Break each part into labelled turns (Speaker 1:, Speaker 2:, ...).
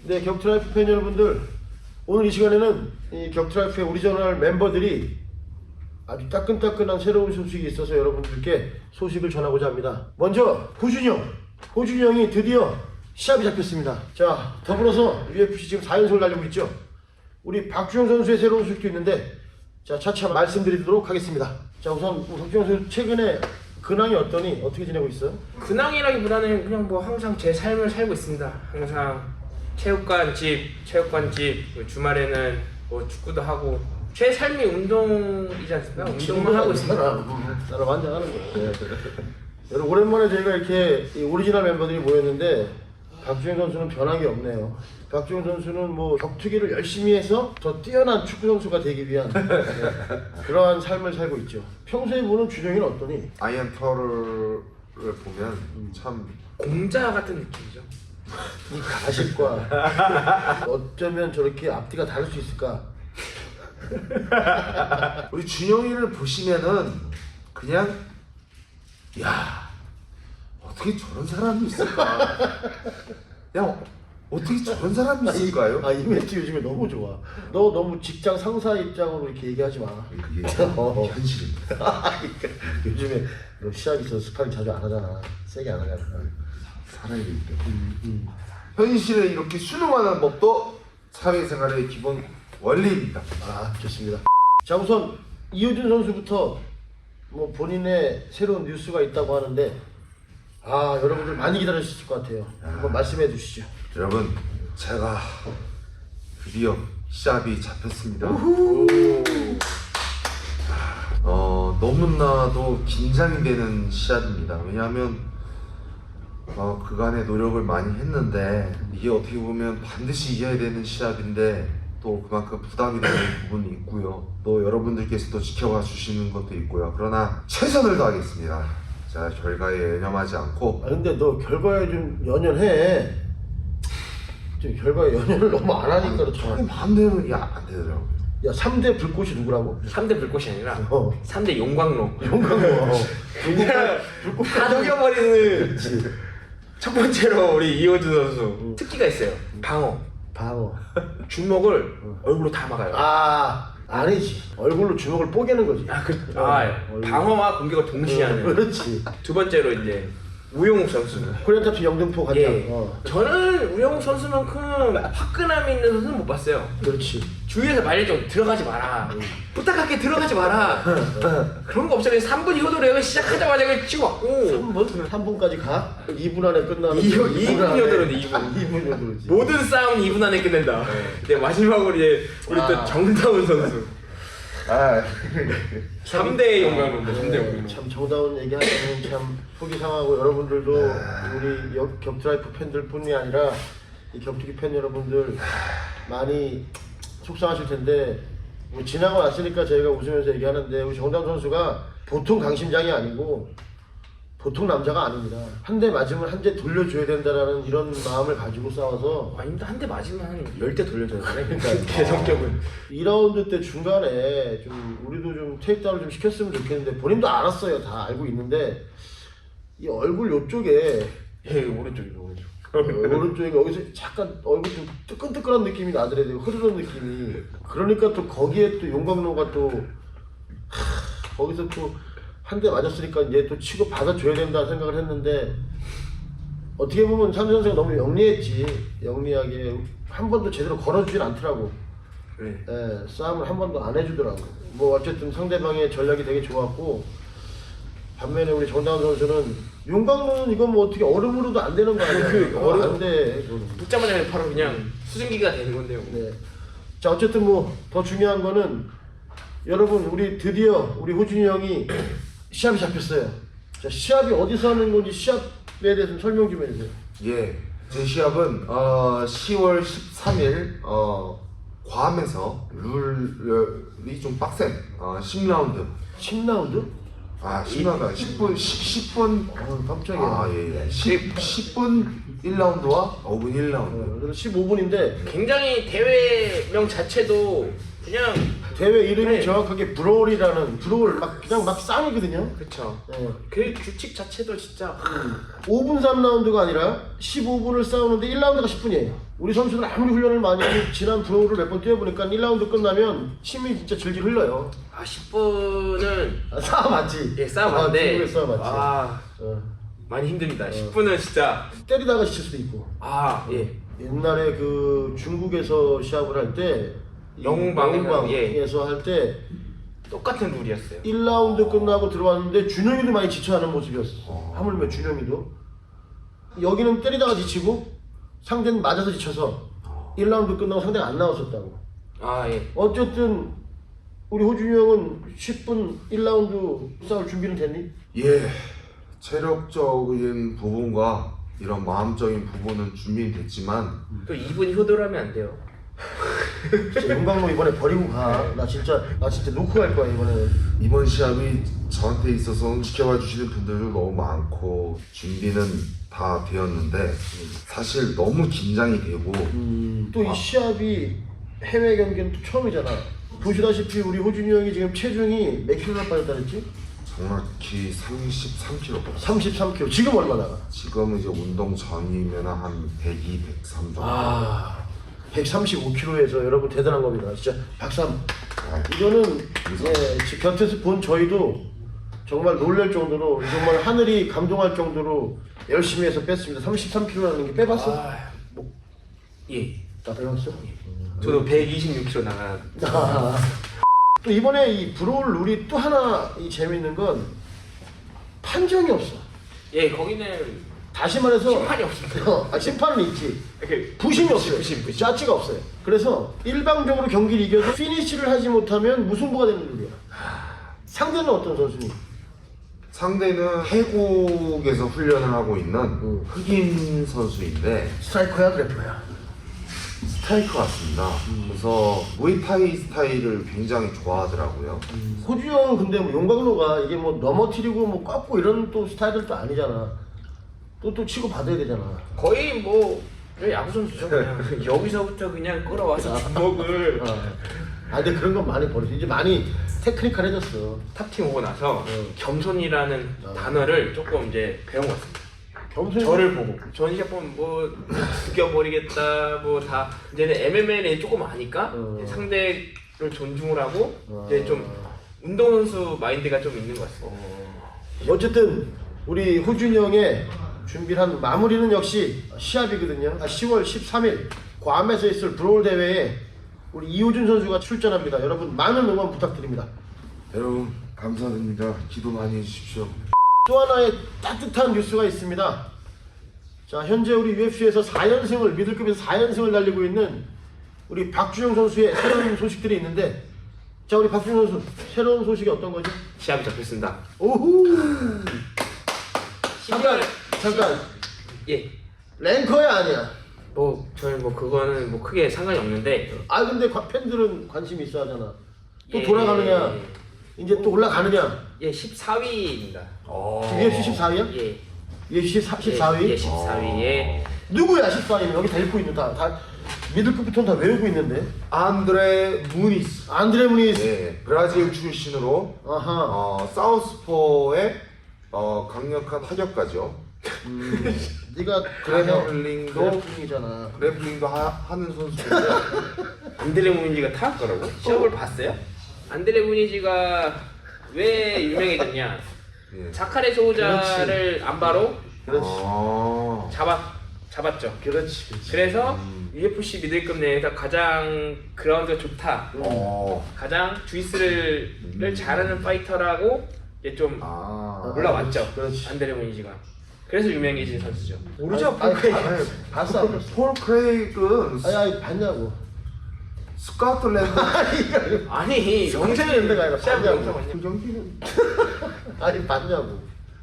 Speaker 1: 네, 격투라이프 팬 여러분들, 오늘 이 시간에는 이 격투라이프의 오리지널 멤버들이 아주 따끈따끈한 새로운 소식이 있어서 여러분들께 소식을 전하고자 합니다. 먼저 호준이 형이 드디어 시합이 잡혔습니다. 자, 더불어서 UFC 지금 4연승을 달리고 있죠. 우리 박주영 선수의 새로운 소식도 있는데, 자, 차차 말씀드리도록 하겠습니다. 자, 우선 박주영 선수 최근에 근황이 어떠니? 어떻게 지내고 있어?
Speaker 2: 근황이라기보다는 그냥 뭐 항상 제 삶을 살고 있습니다. 항상 체육관집, 주말에는 뭐 축구도 하고 제 삶이 운동이지 않습니까? 운동만 하고 있습니다.
Speaker 1: 나랑 완전 하는 거야. 여러분, 오랜만에 저희가 이렇게 이 오리지널 멤버들이 모였는데 박주영 선수는 변한 게 없네요. 박주영 선수는 뭐 격투기를 열심히 해서 더 뛰어난 축구 선수가 되기 위한 그러한 삶을 살고 있죠. 평소에 보는 주정이는 어떠니?
Speaker 3: 아이언 터를 보면 참
Speaker 2: 공자 같은 느낌이죠.
Speaker 1: 이 가식과 어쩌면 저렇게 앞뒤가 다를 수 있을까?
Speaker 3: 우리 준영이를 보시면은 그냥 야 어떻게 저런 사람이 있을까? 야 어떻게 저런 사람이 있을까요?
Speaker 1: 이 멘트 요즘에 너무 좋아. 너 너무 직장 상사 입장으로 이렇게 얘기하지 마.
Speaker 3: 그게 현실입니다.
Speaker 1: 요즘에 너 시합 있어서 스파링 자주 안 하잖아. 세게 안 하잖아.
Speaker 3: 살아야 되기 때문에 현실에 이렇게 순응하는 법도 사회생활의 기본 원리입니다.
Speaker 1: 아, 좋습니다. 자, 우선 이호준 선수부터 뭐 본인의 새로운 뉴스가 있다고 하는데, 아, 여러분들 많이 기다리셨을 것 같아요. 한번 말씀해 주시죠.
Speaker 3: 여러분, 제가 드디어 시합이 잡혔습니다. 너무나도 긴장이 되는 시합입니다. 왜냐하면 그간의 노력을 많이 했는데 이게 어떻게 보면 반드시 이겨야 되는 시합인데 또 그만큼 부담이 되는 부분이 있고요. 또 여러분들께서도 지켜봐 주시는 것도 있고요. 그러나 최선을 다하겠습니다. 자, 결과에 연연하지 않고.
Speaker 1: 근데 너 결과에 좀 연연해. 좀 결과에 연연을 너무 안 하니까 그렇잖아.
Speaker 3: 마음대로 안 되더라고요.
Speaker 1: 야, 3대 불꽃이 누구라고?
Speaker 2: 3대 불꽃이 아니라
Speaker 1: 어.
Speaker 2: 3대 용광로.
Speaker 1: 용광로.
Speaker 2: 불꽃 다 녹여버리는. 첫 번째로 우리 이호준 선수 특기가 있어요. 방어.
Speaker 1: 주먹을
Speaker 2: 얼굴로 다 막아요.
Speaker 1: 아니지. 얼굴로 주먹을 뽀개는 거지.
Speaker 2: 방어와 공격을 동시에 하는.
Speaker 1: 그렇지.
Speaker 2: 두 번째로 이제 우영욱 선수.
Speaker 1: 코리안 탑스 영등포 간장.
Speaker 2: 예. 저는 우영욱 선수만큼 화끈함이 있는 선수는 못 봤어요.
Speaker 1: 그렇지.
Speaker 2: 주위에서 말려 좀 들어가지 마라. 부탁할게 들어가지 마라. 그런 거 없잖아요. 3분 이호도를 시작하자마자 그냥 치고 왔고.
Speaker 1: 3분까지 가? 2분 안에 끝나는.
Speaker 2: 2분 여도로네 2분.
Speaker 1: 2분 여도로지.
Speaker 2: 모든 싸움은 2분 안에 끝낸다. 근데 마지막으로 이제 우리 또 정다운 선수. 3대 용광로인데 3대 용광로.
Speaker 1: 참 정다운 얘기하면 참 속이 상하고, 여러분들도 우리 격투라이프 팬들뿐이 아니라 이 격투기 팬 여러분들 많이 속상하실 텐데, 뭐 지나고 났으니까 저희가 웃으면서 얘기하는데, 우리 정다운 선수가 보통 강심장이 아니고 보통 남자가 아닙니다. 한 대 맞으면 한 대 돌려줘야 된다라는 이런 마음을 가지고 싸워서.
Speaker 2: 아닙니다. 한 대 맞으면 한 10대 돌려줘야 되네.
Speaker 1: 그러니까
Speaker 2: 제 성격은.
Speaker 1: 2라운드 때 중간에 좀 우리도 좀 테이크다운을 좀 시켰으면 좋겠는데, 본인도 알았어요. 다 알고 있는데 이 얼굴 요쪽에
Speaker 2: 오른쪽이죠.
Speaker 1: 오른쪽에 여기서 잠깐 얼굴 좀 뜨끈뜨끈한 느낌이 나더라고요. 흐르는 느낌이. 그러니까 또 거기에 또 용광로가 또 거기서 또 한 대 맞았으니까 이제 또 치고 받아줘야 된다 생각을 했는데, 어떻게 보면 삼 선수가 너무 영리하게 한 번도 제대로 걸어주진 않더라고.
Speaker 2: 네.
Speaker 1: 예, 싸움을 한 번도 안 해주더라고. 뭐 어쨌든 상대방의 전략이 되게 좋았고, 반면에 우리 정다운 선수는 용광로는 이건 뭐 어떻게 얼음으로도 안 되는 거 아니야? 얼음 안 돼.
Speaker 2: 붙자마자 바로 그냥 수증기가 되는 건데요.
Speaker 1: 네. 자, 어쨌든 뭐 더 중요한 거는, 여러분, 우리 드디어 우리 호준이 형이 시합이 잡혔어요. 자, 시합이 어디서 하는 건지 시합에 대해서 설명 좀 해주세요.
Speaker 3: 예, 제 시합은 10월 13일 괌에서 룰이 좀 빡센 10라운드.
Speaker 1: 10라운드?
Speaker 3: 10라운드 10분
Speaker 1: 깜짝이야.
Speaker 3: 예. 10분 1라운드와 5분 1라운드.
Speaker 1: 그래서 15분인데
Speaker 2: 굉장히 대회명 자체도 그냥
Speaker 1: 대회 이름이
Speaker 2: 네.
Speaker 1: 정확하게 브롤이라는, 브롤 그냥 막 쌍이거든요.
Speaker 2: 그쵸.
Speaker 1: 네.
Speaker 2: 그 규칙 자체도 진짜
Speaker 1: 5분 3라운드가 아니라 15분을 싸우는데 1라운드가 10분이에요. 우리 선수들 아무리 훈련을 많이 해도 지난 프로를 몇 번 뛰어보니까 1라운드 끝나면 침이 진짜 질질 흘러요.
Speaker 2: 10분은
Speaker 1: 싸움 맞지?
Speaker 2: 예, 싸움 맞는데
Speaker 1: 중국의 싸움 맞지?
Speaker 2: 어, 많이 힘듭니다. 10분은 진짜
Speaker 1: 때리다가 지칠 수도 있고.
Speaker 2: 예.
Speaker 1: 옛날에 그 중국에서 시합을 할 때 영웅방에서 할 때
Speaker 2: 똑같은 룰이었어요.
Speaker 1: 1라운드 끝나고 들어왔는데 준영이도 많이 지쳐하는 모습이었어. 하물며 준영이도 여기는 때리다가 지치고 상대는 맞아서 지쳐서 1라운드 끝나고 상대가 안 나왔었다고.
Speaker 2: 예.
Speaker 1: 어쨌든 우리 호준이 형은 10분 1라운드 싸울 준비는 됐니?
Speaker 3: 예, 체력적인 부분과 이런 마음적인 부분은 준비는 됐지만
Speaker 2: 또 2분 효도하면 안 돼요.
Speaker 1: 진짜 용광로 이번에 버리고 가. 나 진짜 놓고 갈 거야 이번에.
Speaker 3: 이번 시합이 저한테 있어서는 지켜봐 주시는 분들도 너무 많고 준비는 다 되었는데 사실 너무 긴장이 되고
Speaker 1: 또 이 시합이 해외 경기는 또 처음이잖아. 보시다시피 우리 호준이 형이 지금 체중이 몇 킬로나 빠졌다 그랬지?
Speaker 3: 정확히 33kg
Speaker 1: 33kg. 지금 얼마 나가?
Speaker 3: 지금은 이제 운동 전이면 한 102, 103 정도.
Speaker 1: 135kg에서 여러분 대단한 겁니다. 진짜 박수. 이거는 곁에서 본 저희도 정말 놀랄 정도로 정말 하늘이 감동할 정도로 열심히 해서 뺐습니다. 33kg라는 게 빼봤어?
Speaker 2: 예.
Speaker 1: 다 빼봤어?
Speaker 2: 저도 126kg 나가.
Speaker 1: 또 이번에 이 브로울 룰이 또 하나 이 재밌는 건 판정이 없어.
Speaker 2: 예, 거기는
Speaker 1: 다시 말해서
Speaker 2: 심판이 없습니다.
Speaker 1: 심판은 있지.
Speaker 2: 이렇게
Speaker 1: 부심이 없어요.
Speaker 2: 부심.
Speaker 1: 짜치가 없어요. 그래서 일방적으로 경기를 이겨도 피니시를 하지 못하면 무승부가 되는 룰이야. 상대는 어떤 선수니?
Speaker 3: 상대는 태국에서 훈련을 하고 있는 흑인 선수인데
Speaker 1: 스트라이커야 그래프야?
Speaker 3: 스트라이커 같습니다. 그래서 무에타이 스타일을 굉장히 좋아하더라고요.
Speaker 1: 호주 형은 근데 뭐 용광로가 이게 뭐 넘어뜨리고 뭐 꺾고 이런 또 스타일은 또 아니잖아. 또 치고 받아야 되잖아.
Speaker 2: 거의 뭐 야구 선수죠. 그냥 여기서부터 그냥 끌어와서 주먹을
Speaker 1: 근데 그런 건 많이 버렸어. 이제 많이 테크니컬해졌어.
Speaker 2: 탑팀 오고 나서 겸손이라는 단어를 조금 이제 배운 것 같습니다.
Speaker 1: 겸손히
Speaker 2: 저를 보고 전시합 보면 뭐 죽여버리겠다 뭐 다 이제는 MMA에 조금 아니까 이제 상대를 존중을 하고 이제 좀 운동선수 마인드가 좀 있는 것 같습니다.
Speaker 1: 어쨌든 우리 호준이 형의 준비한 마무리는 역시 시합이거든요. 10월 13일 괌에서 있을 브로울 대회에 우리 이호준 선수가 출전합니다. 여러분 많은 응원 부탁드립니다.
Speaker 3: 여러분 감사드립니다. 기도 많이 해주십시오.
Speaker 1: 또 하나의 따뜻한 뉴스가 있습니다. 자, 현재 우리 UFC에서 4연승을 미들급에서 4연승을 달리고 있는 우리 박준영 선수의 새로운 소식들이 있는데, 자, 우리 박준영 선수 새로운 소식이 어떤 거죠?
Speaker 2: 시합이 잡혔습니다.
Speaker 1: 오후. 잠깐.
Speaker 2: 예.
Speaker 1: 랭커야 아니야?
Speaker 2: 뭐 저희 뭐 그거는 뭐 크게 상관이 없는데.
Speaker 1: 근데 팬들은 관심이 있어 하잖아. 또
Speaker 2: 예.
Speaker 1: 돌아가느냐? 이제 또 올라가느냐?
Speaker 2: 예, 14위입니다.
Speaker 1: UFC 14위야?
Speaker 2: 예.
Speaker 1: UFC 14위?
Speaker 2: 예, 14위에
Speaker 1: 누구야 14위면? 여기 다 읽고 있는 다 미들급부터는 다 외우고 있는데.
Speaker 3: 안드레 무니스.
Speaker 1: 안드레 무니스.
Speaker 3: 네, 브라질 출신으로 사우스포의 강력한 타격가죠.
Speaker 1: 네가
Speaker 3: 그래플링이잖아. 그래플링도 하는 선수인데
Speaker 2: 안드레 무니지가 타격거라고? 시합을 봤어요? 안드레 무니지가 왜 유명해졌냐?
Speaker 3: 예.
Speaker 2: 자카레 소우자를 안바로
Speaker 1: 그렇지.
Speaker 2: 잡았죠.
Speaker 1: 그렇지.
Speaker 2: 그래서 UFC 미들급 내에서 가장 그라운드가 좋다. 가장 주이스를 잘하는 파이터라고 이제 좀 올라왔죠.
Speaker 1: 그렇지.
Speaker 2: 안드레 무니지가. 그래서 유명해진 선수죠.
Speaker 1: 모르죠? 봤어 안 봤어?
Speaker 3: 폴 크레이그는
Speaker 1: 아니 봤냐고.
Speaker 3: 스코틀랜드
Speaker 2: 아니
Speaker 1: 영상이 있는 데가 아니라
Speaker 2: 시합
Speaker 1: 봤냐고.
Speaker 2: 영상 봤냐?
Speaker 3: 그 경기는
Speaker 1: 아니 봤냐고.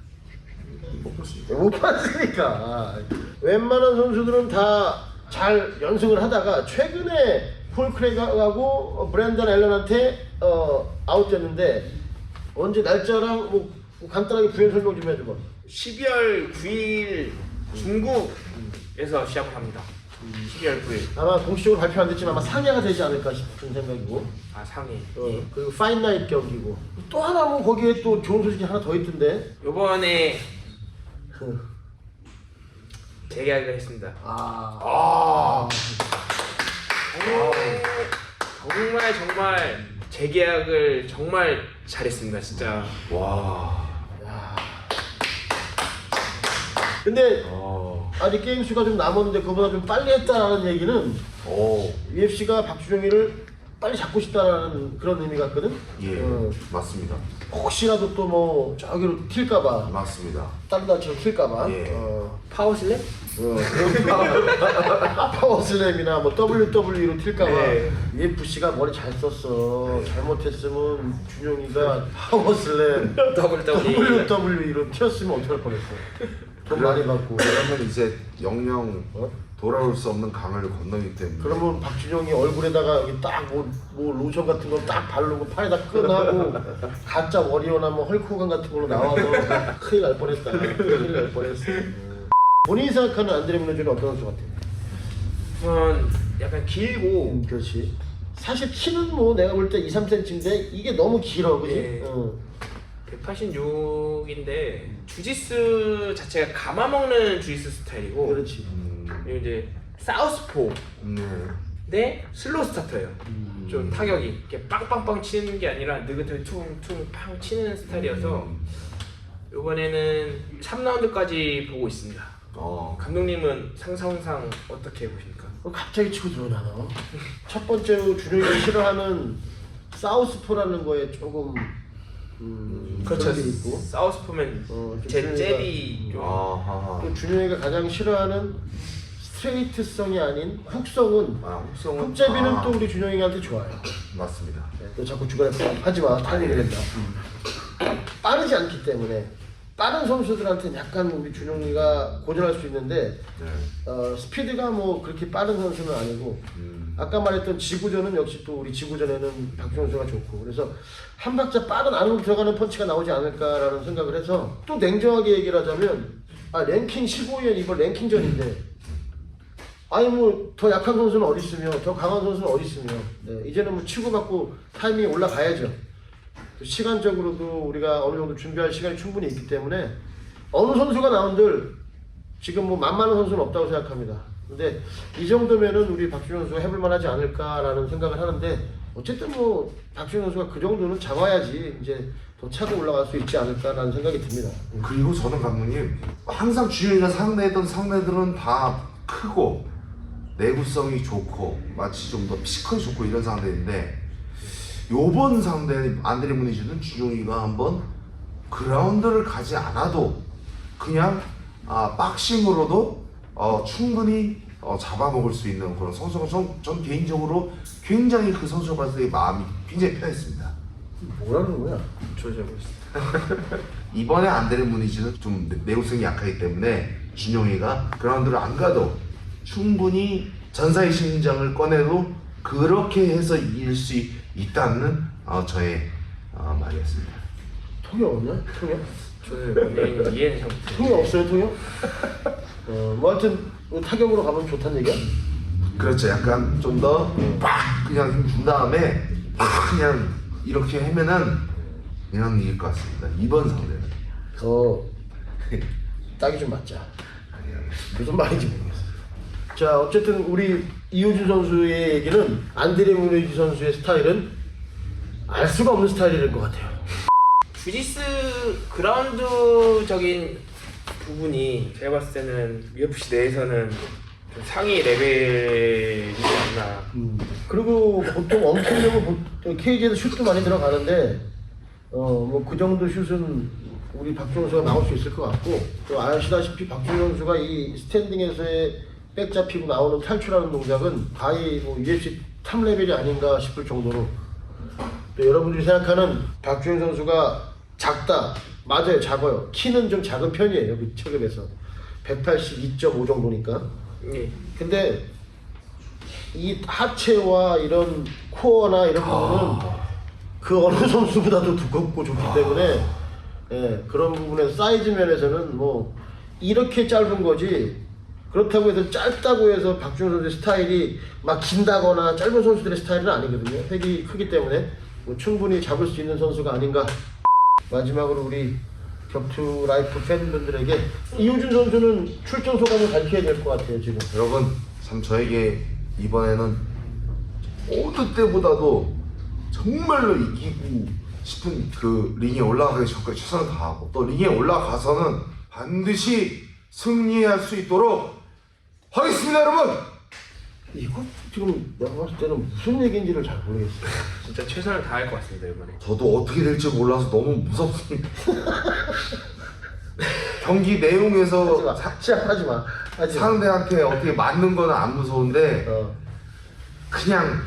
Speaker 1: 못 봤으니까. 웬만한 선수들은 다 잘 연승을 하다가 최근에 폴 크레이그하고 브랜던 앨런한테 아웃됐는데, 언제 날짜랑 뭐 간단하게 부연 설명 좀 해줘봐.
Speaker 2: 12월 9일 중국에서 시합을 합니다. 12월 9일.
Speaker 1: 아마 공식적으로 발표 안 됐지만 아마 상해가 되지 않을까 싶은 생각이고.
Speaker 2: 상해.
Speaker 1: 그리고 파인나잇 경기고. 또 하나 뭐 거기에 또 좋은 소식이 하나 더 있던데.
Speaker 2: 요번에 재계약을 했습니다. 정말 재계약을 정말 잘했습니다, 진짜.
Speaker 3: 와.
Speaker 1: 근데 아직 게임 수가 좀 남았는데 그보다 좀 빨리 했다라는 얘기는 UFC가 박주정이를 빨리 잡고 싶다라는 그런 의미 같거든.
Speaker 3: 예, 맞습니다.
Speaker 1: 혹시라도 또 뭐 저기로 튈까봐,
Speaker 3: 맞습니다.
Speaker 1: 다른 단체로 튈까봐.
Speaker 3: 예.
Speaker 2: 파워슬랩?
Speaker 1: 파워슬램이나 뭐 WWE로 튈까봐.
Speaker 2: 네.
Speaker 1: UFC가 머리 잘 썼어. 잘못했으면 준용이가 파워슬램
Speaker 2: WWE.
Speaker 1: WWE로 튀었으면 어떡할 뻔했어. 돈 많이 받고.
Speaker 3: 그러면 이제 영영 돌아올 수 없는 강을 건너기 때문에.
Speaker 1: 그러면 박준영이 얼굴에다가 여기 딱 뭐 로션 같은 거 딱 바르고 팔에다 끈하고 가짜 워리어나 뭐 헐크호간 같은 걸로 나와서 큰일 날 뻔했다. 큰일 날 뻔했어. 본인이 생각하는 안드레 뮤노즈는 어떤 선수 같아요?
Speaker 2: 우선 약간 길고
Speaker 1: 그렇지. 사실 키는 뭐 내가 볼 때 2, 3cm인데 이게 너무 길어, 그지?
Speaker 2: 예. 186인데 주짓수 자체가 감아먹는 주짓수 스타일이고
Speaker 1: 그렇지.
Speaker 2: 그리고 이제 사우스포 네 슬로우 스타터예요. 좀 타격이 이렇게 빵빵빵 치는 게 아니라 느긋하게 퉁퉁 팡 치는 스타일이어서 이번에는 3라운드까지 보고 있습니다. 감독님은 상상상 어떻게 보십니까?
Speaker 1: 갑자기 치고 들어오나 너? 첫 번째로 준영이가 싫어하는 사우스포라는 거에 조금
Speaker 2: 그렇죠.
Speaker 1: 그런 게 있고
Speaker 2: 사우스포면 제 잽이 좀
Speaker 1: 또 준영이가 가장 싫어하는 스트레이트성이 아닌 훅성은
Speaker 3: 훅성은
Speaker 1: 훅제비는 또 우리 준영이한테 좋아요.
Speaker 3: 맞습니다.
Speaker 1: 너 자꾸 주변에 하지마. 타이밍이 된다. 빠르지 않기 때문에 빠른 선수들한테는 약간 우리 준영이가 고전할 수 있는데 스피드가 뭐 그렇게 빠른 선수는 아니고 아까 말했던 지구전은 역시 또 우리 지구전에는 박준영 선수가 좋고 그래서 한 박자 빠른 안으로 들어가는 펀치가 나오지 않을까라는 생각을 해서 또 냉정하게 얘기를 하자면 랭킹 15위엔 이번 랭킹전인데 아니 뭐 더 약한 선수는 어디 있으며 더 강한 선수는 어디 있으며 이제는 뭐 치고받고 타이밍이 올라가야죠. 시간적으로도 우리가 어느 정도 준비할 시간이 충분히 있기 때문에 어느 선수가 나온들 지금 뭐 만만한 선수는 없다고 생각합니다. 근데 이 정도면은 우리 박준영 선수가 해볼 만하지 않을까라는 생각을 하는데 어쨌든 뭐 박준영 선수가 그 정도는 잡아야지 이제 더 차고 올라갈 수 있지 않을까라는 생각이 듭니다.
Speaker 3: 그리고 저는 감독님 항상 주영이가 상대했던 상대들은 다 크고 내구성이 좋고 마치 좀 더 피지컬이 좋고 이런 상대인데 요번 상대 안드레 뮤니즈는 주영이가 한번 그라운드를 가지 않아도 그냥 박싱으로도 충분히 잡아먹을 수 있는 그런 선수가 전 개인적으로 굉장히 그 선수가 봤을 때 마음이 굉장히 편했습니다.
Speaker 1: 뭐라는 거야?
Speaker 2: 조절하고 있습니다.
Speaker 3: 이번에 안드레 뮤니즈는 좀 내구성이 약하기 때문에 준영이가 그라운드를 안 가도 충분히 전사의 심장을 꺼내도 그렇게 해서 이길 수 있다는 저의 말이었습니다.
Speaker 1: 통역 없냐? 통역?
Speaker 2: 저는 굉장히 이해는 잘 못해요.
Speaker 1: 통역 없어요, 통역? 뭐 하여튼 타격으로 가면 좋다는 얘기야?
Speaker 3: 그렇죠. 약간 좀 더 빡 그냥 힘준 다음에 팍 그냥 이렇게 하면은 그냥 이길 것 같습니다. 이번 상대는
Speaker 1: 더 딱이 좀 맞자. 무슨 말인지 모르겠어. 자, 어쨌든 우리 이호준 선수의 얘기는 안드레 뮤니즈 선수의 스타일은 알 수가 없는 스타일일 것 같아요.
Speaker 2: 주짓수 그라운드적인 부분이 제가 봤을 때는 UFC 내에서는 좀 상위 레벨이지 않나.
Speaker 1: 그리고 보통 엄청나고 케이지에서 슛도 많이 들어가는데 뭐 그 정도 슛은 우리 박준호 선수가 나올 수 있을 것 같고 또 아시다시피 박준호 선수가 이 스탠딩에서의 백 잡히고 나오는 탈출하는 동작은 거의 뭐 UFC 탑 레벨이 아닌가 싶을 정도로 또 여러분들이 생각하는 박준호 선수가 작다. 맞아요, 작아요. 키는 좀 작은 편이에요, 그 체급에서 182.5 정도니까.
Speaker 2: 예.
Speaker 1: 근데 이 하체와 이런 코어나 이런 부분은 그 어느 선수보다도 두껍고 좋기 때문에 그런 부분에서 사이즈 면에서는 뭐 이렇게 짧은 거지 그렇다고 해서 짧다고 해서 박준호 선수의 스타일이 막 긴다거나 짧은 선수들의 스타일은 아니거든요. 획이 크기 때문에 뭐 충분히 잡을 수 있는 선수가 아닌가. 마지막으로 우리 격투 라이프 팬분들에게 이호준 선수는 출전 소감을 밝혀야 될 것 같아요 지금.
Speaker 3: 여러분 참 저에게 이번에는 어느 때보다도 정말로 이기고 싶은 그 링에 올라가기 전까지 최선을 다하고 또 링에 올라가서는 반드시 승리할 수 있도록 하겠습니다 여러분.
Speaker 1: 이거 지금 내가 봤을 때는 무슨 얘기인지를 잘 모르겠어요.
Speaker 2: 진짜 최선을 다할 것 같습니다 이번에.
Speaker 3: 저도 어떻게 될지 몰라서 너무 무섭습니다. 경기 내용에서
Speaker 1: 시작하지 마. 하지 마.
Speaker 3: 상대한테 어떻게 맞는 거는 안 무서운데
Speaker 1: 어.
Speaker 3: 그냥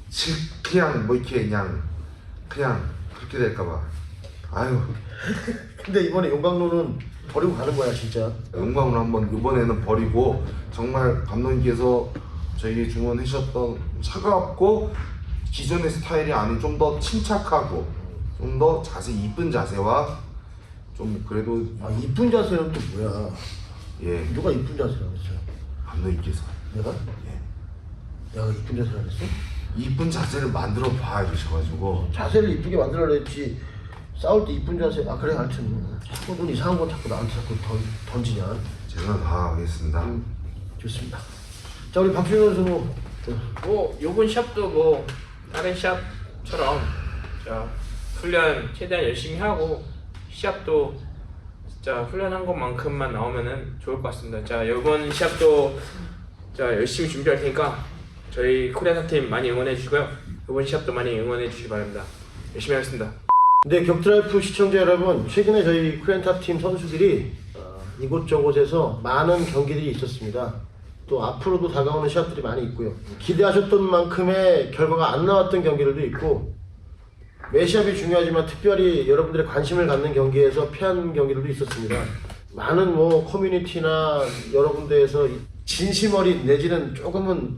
Speaker 3: 뭐 이렇게 그냥 그렇게 될까봐. 아유
Speaker 1: 근데 이번에 용광로는 버리고 가는 거야 진짜.
Speaker 3: 영광을 한번 이번에는 버리고 정말 감독님께서 저에게 주문해 주셨던 차갑고 기존의 스타일이 아닌 좀 더 침착하고 좀 더 자세 이쁜 자세와 좀 그래도
Speaker 1: 아 이쁜 자세는 또 뭐야?
Speaker 3: 예
Speaker 1: 누가 이쁜 자세라고 했어?
Speaker 3: 감독님께서
Speaker 1: 내가?
Speaker 3: 예
Speaker 1: 내가 이쁜 자세라고 했어?
Speaker 3: 이쁜 자세를 만들어 봐 이러셔가지고
Speaker 1: 자세를 이쁘게 만들어라 했지. 싸울 때 이쁜 자세. 아 그래 하여튼 자꾸 넌 이상한 거 자꾸 나한테 자꾸 던지냐.
Speaker 3: 최선을 다하겠습니다.
Speaker 1: 좋습니다. 자 우리 박준현 선수
Speaker 2: 뭐 요번 시합도 뭐 다른 시합처럼 자 훈련 최대한 열심히 하고 시합도 진짜 훈련한 것만큼만 나오면은 좋을 것 같습니다. 자 요번 시합도 자 열심히 준비할 테니까 저희 코리안 팀 많이 응원해 주시고요. 요번 시합도 많이 응원해 주시기 바랍니다. 열심히 하겠습니다.
Speaker 1: 네, 격투라이프 시청자 여러분, 최근에 저희 코리안탑팀 선수들이 이곳저곳에서 많은 경기들이 있었습니다. 또 앞으로도 다가오는 시합들이 많이 있고요. 기대하셨던 만큼의 결과가 안 나왔던 경기들도 있고 매 시합이 중요하지만 특별히 여러분들의 관심을 갖는 경기에서 패한 경기들도 있었습니다. 많은 뭐 커뮤니티나 여러 군데에서 진심 어린 내지는 조금은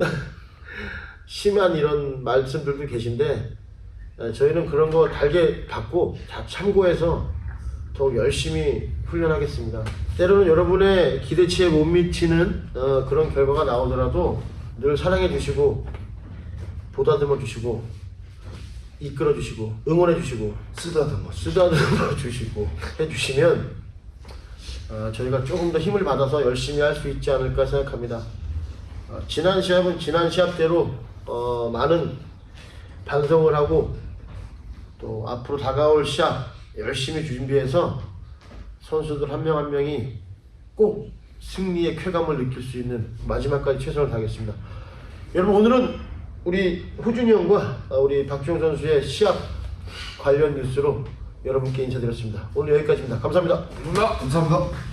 Speaker 1: 심한 이런 말씀들도 계신데 저희는 그런 거 달게 받고 다 참고해서 더욱 열심히 훈련하겠습니다. 때로는 여러분의 기대치에 못 미치는 그런 결과가 나오더라도 늘 사랑해 주시고 보다듬어 주시고 이끌어 주시고 응원해 주시고 쓰다듬어 주시고 해주시면 저희가 조금 더 힘을 받아서 열심히 할 수 있지 않을까 생각합니다. 지난 시합은 지난 시합대로 많은 반성을 하고 또 앞으로 다가올 시합 열심히 준비해서 선수들 한 명 한 명이 꼭 승리의 쾌감을 느낄 수 있는 마지막까지 최선을 다하겠습니다. 여러분 오늘은 우리 호준이 형과 우리 박주영 선수의 시합 관련 뉴스로 여러분께 인사드렸습니다. 오늘 여기까지입니다. 감사합니다.
Speaker 2: 감사합니다.
Speaker 3: 감사합니다.